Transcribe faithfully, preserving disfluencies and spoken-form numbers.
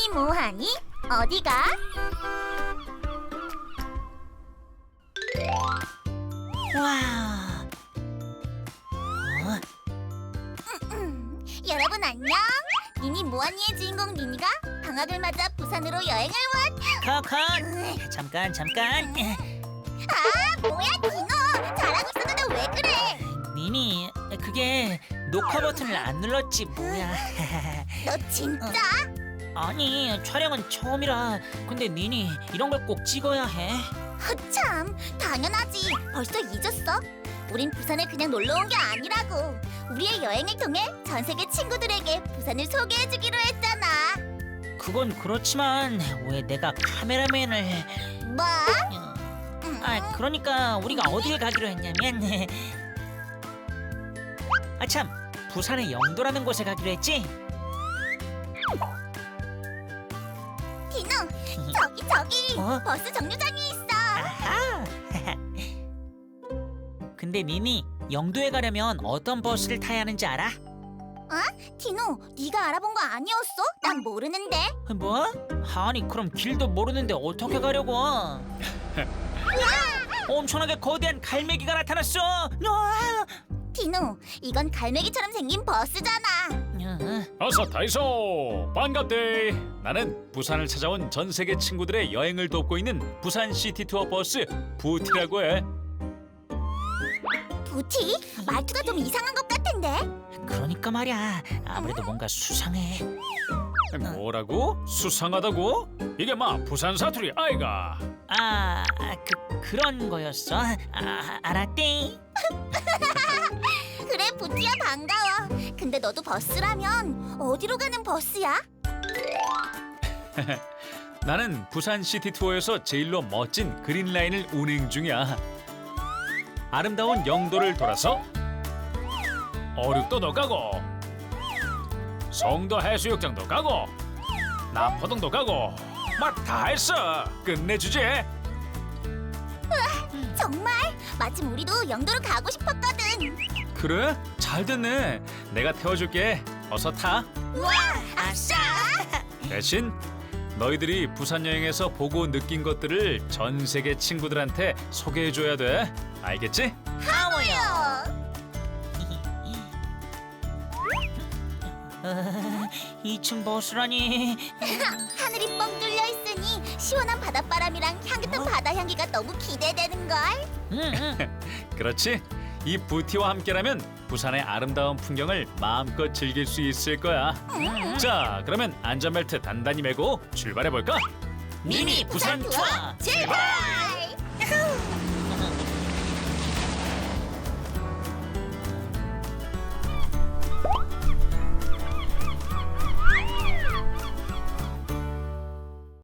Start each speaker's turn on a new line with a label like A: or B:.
A: 뭐하니? 어디가?
B: 와. 어?
A: 음, 여러분 안녕. 니니 뭐하니의 주인공 니니가 방학을 맞아 부산으로 여행을 왔.
B: 커커. 잠깐 잠깐.
A: 아 뭐야 디노, 잘하고 있었는데 왜 그래?
B: 니니, 그게 녹화 버튼을 안 눌렀지 뭐야.
A: 너 진짜?
B: 아니, 촬영은 처음이라. 근데 니니, 이런 걸 꼭 찍어야 해.
A: 참 당연하지. 벌써 잊었어? 우린 부산에 그냥 놀러 온 게 아니라고. 우리의 여행을 통해 전 세계 친구들에게 부산을 소개해주기로 했잖아.
B: 그건 그렇지만 왜 내가 카메라맨을...
A: 뭐?
B: 어,
A: 음.
B: 아, 그러니까 우리가 어딜 가기로 했냐면 아참, 부산의 영도라는 곳에 가기로 했지?
A: 디노, 저기 저기
B: 어?
A: 버스 정류장에 있어.
B: 아하. 근데 니니, 영도에 가려면 어떤 버스를 타야 하는지 알아?
A: 디노, 네가 알아본 거 아니었어? 난 모르는데.
B: 뭐? 아니, 그럼 길도 모르는데 어떻게 가려고? 엄청나게 거대한 갈매기가 나타났어. 으아!
A: 디노, 이건 갈매기처럼 생긴 버스잖아.
B: 어,
C: 어서 타이소. 반갑대. 나는 부산을 찾아온 전 세계 친구들의 여행을 돕고 있는 부산 시티 투어 버스 부티라고 해.
A: 부티? 말투가 좀 이상한 것 같은데?
B: 그러니까 말이야. 아무래도 뭔가 수상해.
C: 뭐라고? 수상하다고? 이게 막 부산 사투리 아이가?
B: 아, 그 그런 거였어. 아, 알았대.
A: 그래, 부티야 반가워. 근데 너도 버스라면 어디로 가는 버스야?
C: 나는 부산 시티 투어에서 제일로 멋진 그린 라인을 운행 중이야. 아름다운 영도를 돌아서 어륙도도 가고 송도 해수욕장도 가고 남포동도 가고 막 다 했어. 끝내주지.
A: 정말? 마침 우리도 영도로 가고 싶었거든.
C: 그래? 잘 됐네. 내가 태워줄게. 어서 타.
A: 우와, 아싸!
C: 대신 너희들이 부산 여행에서 보고 느낀 것들을 전 세계 친구들한테 소개해줘야 돼. 알겠지?
A: 하모요.
B: 어, 이층 버스라니.
A: 하늘이 뻥 뚫려 있으니 시원한 바닷바람이랑 향긋한 바다 향기가 너무 기대되는 걸.
B: 응, 응.
C: 그렇지. 이 부티와 함께라면 부산의 아름다운 풍경을 마음껏 즐길 수 있을 거야. 자, 그러면 안전벨트 단단히 매고 출발해볼까?
B: 미니 부산 투어
A: 출발!